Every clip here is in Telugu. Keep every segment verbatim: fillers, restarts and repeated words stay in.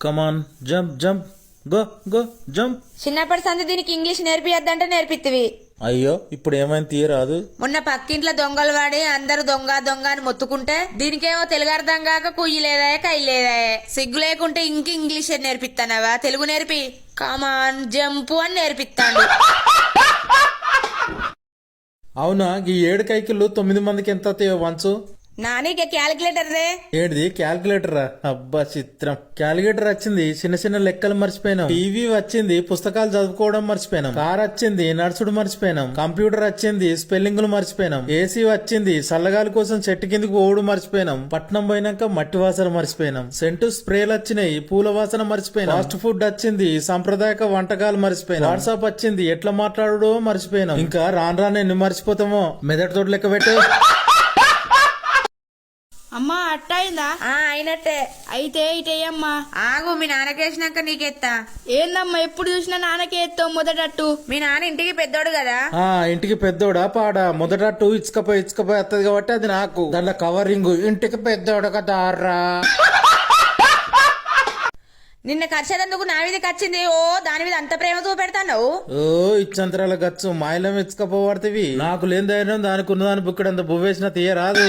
కమాన్ jump jump go go jump. చిన్నప్పటి సంది దీనికి ఇంగ్లీష్ నేర్పియద్దంటే నేర్పిత్తివి. అయ్యో ఇప్పుడు ఏమైంది తీయరాదు. మొన్న పక్కింట్లో దొంగలు వాడి అందరు దొంగ దొంగ అని మొత్తుకుంటే దీనికేమో తెలుగు అర్థం కాక కుయ్యి లేదా కయ్యి లేదా. సిగ్గు లేకుంటే ఇంక ఇంగ్లీష్ నేర్పిస్తానవా? తెలుగు నేర్పి. కమాన్ జంపు అని నేర్పిస్తాను. అవునా ఈ ఏడు కైకిళ్ళు తొమ్మిది మందికి ఎంత వస్తాయో వంచు. నానీకే క్యాలిక్యులేటర్ దే. ఏడిది క్యాల్కులేటరా? అబ్బా చిత్రం. క్యాలిక్యులేటర్ వచ్చింది, చిన్న చిన్న లెక్కలు మర్చిపోయినాం. టీవీ వచ్చింది, పుస్తకాలు చదువుకోవడం మర్చిపోయినాం. కార్ వచ్చింది, నడుచుడు మర్చిపోయినాం. కంప్యూటర్ వచ్చింది, స్పెల్లింగ్లు మర్చిపోయినాం. ఏసీ వచ్చింది, చల్లగాలి కోసం చెట్టు కిందకి ఓడు మర్చిపోయినాం. పట్నం పోయినాక మట్టి వాసన మర్చిపోయినాం. సెంటు స్ప్రేలు వచ్చినాయి, పూల వాసన మర్చిపోయినాం. ఫాస్ట్ ఫుడ్ వచ్చింది, సాంప్రదాయక వంటకాలు మర్చిపోయినాం. వాట్సాప్ వచ్చింది, ఎట్లా మాట్లాడడో మర్చిపోయినాం. ఇంకా రాను రాను ఎన్ని మర్చిపోతామో. మెదడు తోటి లెక్క పెట్టు. అమ్మా అట్టయిందా? అయినట్టే. అయితే ఇటేయమ్మా. ఆగు, మీ నాన్నకేసినాక నీకెత్తా. ఏందమ్మా ఎప్పుడు చూసినా నాన్నకే ఎత్తావు మొదటట్టు. మీ నాన్న ఇంటికి పెద్దోడు కదా. ఆ ఇంటికి పెద్దోడా పాడా? మొదట టూ ఇచ్చుకపోయి ఇచ్చుకపోయి వస్తుంది కాబట్టి అది నాకు. దాంట్లో కవరింగ్ ఇంటికి పెద్దోడు కదా రా. నిన్న ఖర్చేదందుకు నా మీద ఖర్చింది. ఓ దాని మీద అంత ప్రేమ చూపెడతావు. ఓ ఇచ్చంతరాల గచ్చు మాయలం ఇచ్చుకపోబడుతుంది. నాకు లేని ధైర్యం దానికి ఉన్నదాని బుక్కడంత బువ్వేసిన తీయరాదు.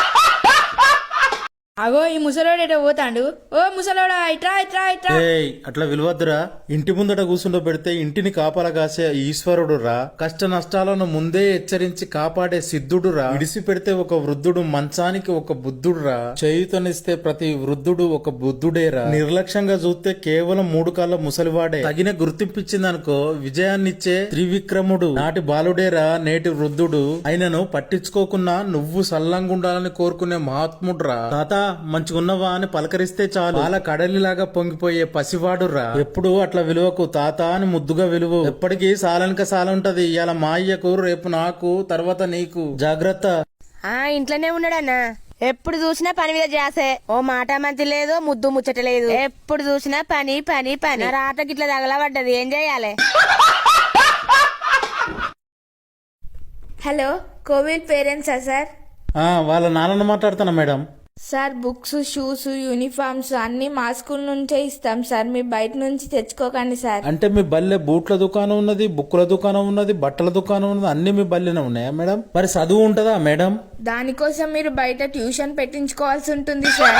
అగో ఈ ముసలోడు ఎటో పోతాండు. ఓ ముసలోడా ఇట్రా ఇట్రా ఇట్రా. ఏయ్ అట్లా విలువద్దురా. ఇంటి ముందట కూర్చుండో పెడితే ఇంటిని కాపలా కాసే ఈశ్వరుడు రా. కష్ట నష్టాలను ముందే హెచ్చరించి కాపాడే సిద్ధుడు రా. విడిసి పెడితే ఒక వృద్ధుడు, మంచానికి ఒక బుద్ధుడు రా. చేయుతనిస్తే ప్రతి వృద్ధుడు ఒక బుద్ధుడేరా. నిర్లక్ష్యంగా చూస్తే కేవలం మూడు కాళ్ళ ముసలివాడే. తగిన గుర్తింపించిందనుకో విజయాన్నిచ్చే త్రివిక్రముడు. నాటి బాలుడేరా నేటి వృద్ధుడు. ఆయనను పట్టించుకోకున్నా నువ్వు సల్లంగుండాలని కోరుకునే మహాత్ముడు రా. తాత మంచిగున్నవా అని పలకరిస్తే చాలు పాల కడలిలాగా పొంగిపోయే పసివాడు రా. ఎప్పుడు అట్లా విలువకు తాత అని ముద్దుగా విలువ. ఎప్పటికీ సాలనిక సాల ఉంటది. ఇవాళ మా అయ్యకు, రేపు నాకు, తర్వాత నీకు. జాగ్రత్త. ఆ ఇంట్లోనే ఉన్నాడన్నా. ఎప్పుడు చూసినా పని మీద చేసే. ఓ మాట మంచి లేదు, ముద్దు ముచ్చట లేదు. ఎప్పుడు చూసినా పని పని పని. రాటకి ఇట్లా తగలబడ్డది, ఏం చెయ్యాలి? హలో, కోవిడ్ పేరెంట్సా సార్? ఆ వాళ్ళ నాన్నను మాట్లాడుతున్నా madam. Sir books, shoes, uniforms అన్ని మా స్కూల్ నుంచే ఇస్తాం సార్. మీ బయట నుంచి తెచ్చుకోకండి సార్. అంటే మీ బల్లె బూట్ల దుకాణం ఉన్నది, బుక్కుల దుకాణం ఉన్నది, బట్టల దుకాణం ఉన్నది, అన్ని మీ బల్లెనే ఉన్నాయా మేడం? మరి చదువు ఉంటదా మేడం? దానికోసం మీరు బయట ట్యూషన్ పెట్టించుకోవాల్సి ఉంటుంది సార్.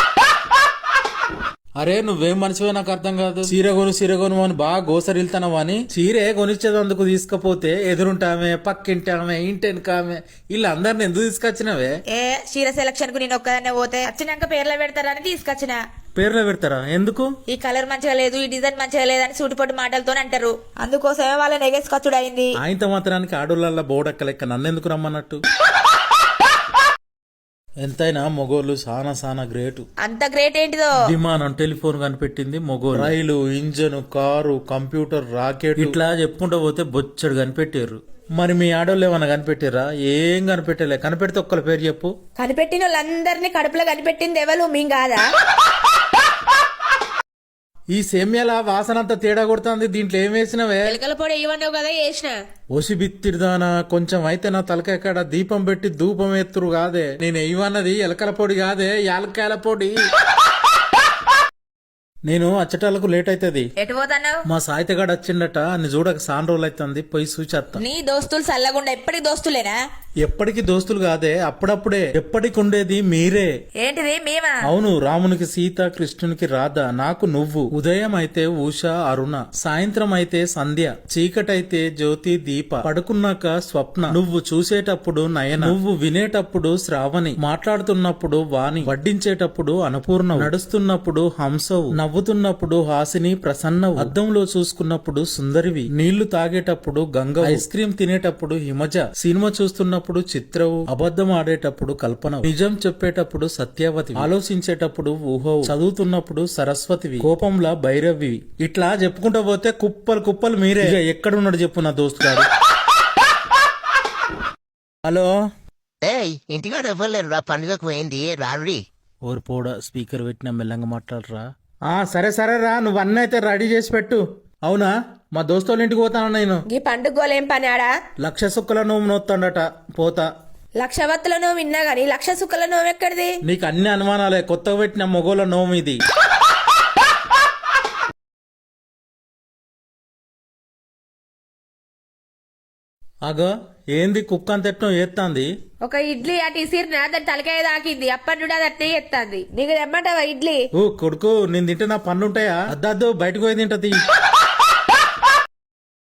అరే నువ్వేం మనిషివే నాకు అర్థం కాదు. చీర కొను చీర కొను అని బాగా గోసరిల్తానవా అని చీరే కొనిచ్చేదందుకు తీసుకపోతే ఎదురుంటామే, పక్కింటామే, ఇంటెనకామె ఇలా అందరిని ఎందుకు తీసుకొచ్చినవే? ఏ చీర సెలక్షన్ కు నేను ఒక్కదాన్నే పోతే వచ్చినాక పేర్లు పెడతారని తీసుకొచ్చిన. పేర్లో పెడతారా? ఎందుకు? ఈ కలర్ మంచిగా లేదు, ఈ డిజైన్ మంచిగా లేదని సూటిపోటు మాటలతో అంటారు. అందుకోసమే వాళ్ళ నెగేసుకొచ్చుడు అయింది. ఆయనతో మాత్రానికి ఆడోళ్ళ బోడక్క లెక్క నన్నెందుకు రమ్మన్నట్టు? ఎంతైనా మొగోళ్ళు సానా సానా గ్రేటు. అంత గ్రేట్ ఏంటిదో? విమానం, టెలిఫోన్ కనిపెట్టింది మొగోలు. Rail, engine, car, computer, rocket ఇట్లా చెప్పుకుంటూ పోతే బొచ్చడు కనిపెట్టారు. మరి మీ ఆడోళ్ళు ఏమన్నా కనిపెట్టారా? ఏం కనిపెట్టలే. కనిపెడితే ఒక్కల పేరు చెప్పు. కనిపెట్టిన వాళ్ళందరినీ కడుపులో కనిపెట్టింది ఎవరు? మీ కాదా? ఈ సేమ్యాల వాసన అంతా తేడా కొడుతుంది. దీంట్లో ఏం వేసినవే? ఎలకల పొడి ఇవ్వన్నావు కదా, వేసిన. ఓసి బిత్తిరిదానా, కొంచెం అయితే నా తలకాయ దీపం పెట్టి ధూపం ఎత్తురు కాదే. నేను ఇవ్వన్నది ఎలకల పొడి కాదే, యాలకాయల పొడి. నేను అచ్చటాలకు లేట్ అవుతుంది. ఎటు పోతున్నావు? మా సాయితగాడు వచ్చిండట, అని చూడక సాన్ రోజులు అవుతుంది, పోయి సూచేస్తా. నీ దోస్తులు చల్లగుండా ఎప్పటికి దోస్తులేనా? ఎప్పటికి దోస్తులు కాదే, అప్పుడప్పుడే. ఎప్పటికి ఉండేది మీరే. ఏంటిది మేమా? అవును, రామునికి సీత, కృష్ణునికి రాధ, నాకు నువ్వు. ఉదయం అయితే ఉష, అరుణ, సాయంత్రం అయితే సంధ్య, చీకటైతే జ్యోతి, దీప, పడుకున్నాక స్వప్న, నువ్వు చూసేటప్పుడు నయన, నువ్వు వినేటప్పుడు శ్రావణి, మాట్లాడుతున్నప్పుడు వాణి, వడ్డించేటప్పుడు అన్నపూర్ణ, నడుస్తున్నప్పుడు హంసవు, నవ్వుతున్నప్పుడు హాసిని, ప్రసన్నవు, అద్దంలో చూసుకున్నప్పుడు సుందరివి, నీళ్లు తాగేటప్పుడు గంగ, ఐస్ క్రీమ్ తినేటప్పుడు హిమజ, సినిమా చూస్తున్నప్పుడు చిత్రవు, అబద్ధం ఆడేటప్పుడు కల్పన, నిజం చెప్పేటప్పుడు సత్యవతి, ఆలోచించేటప్పుడు ఊహవు, చదువుతున్నప్పుడు సరస్వతివి, కోపంలా భైరవి. ఇట్లా చెప్పుకుంటూ పోతే కుప్పలు కుప్పలు మీరే. ఎక్కడున్నాడు చెప్పు నా దోస్తు గారు. హలో, ఇంటికాడ ఇవ్వలేరు రా, పండుగకు పోయింది రారీ. ఓరు పోడ స్పీకర్ పెట్టిన మెల్లంగా మాట్లాడరా. ఆ సరే సరే రా, నువ్వు అన్నీ అయితే రెడీ చేసి పెట్టు. అవునా, మా దోస్తుల ఇంటికి పోతాను నేను. ఈ పండుగోలేం పని ఆడా? లక్ష సుక్కల నోము నోత్తాడట, పోతా. లక్షవత్తుల నోము విన్నా గాని లక్ష సుక్కల నోము ఎక్కడిది? నీకు అన్ని అనుమానాలే, కొత్తగా పెట్టిన మొగోళ్ళ నోము ఇది. అగో ఏంది కుక్క అంత ఎట్నో ఏత్తాంది. ఒక ఇడ్లీ అటు ఇసిరినా దాని తలకాయ తాకింది అప్పటి నుండి అది అట్నే ఎత్తాంది. నీకు తెమ్మంటావా ఇడ్లీ? ఓ కొడుకు నేను తింటే నా పన్నుంటాయా? అద్దద్దు బయటకు పోయి తింటది.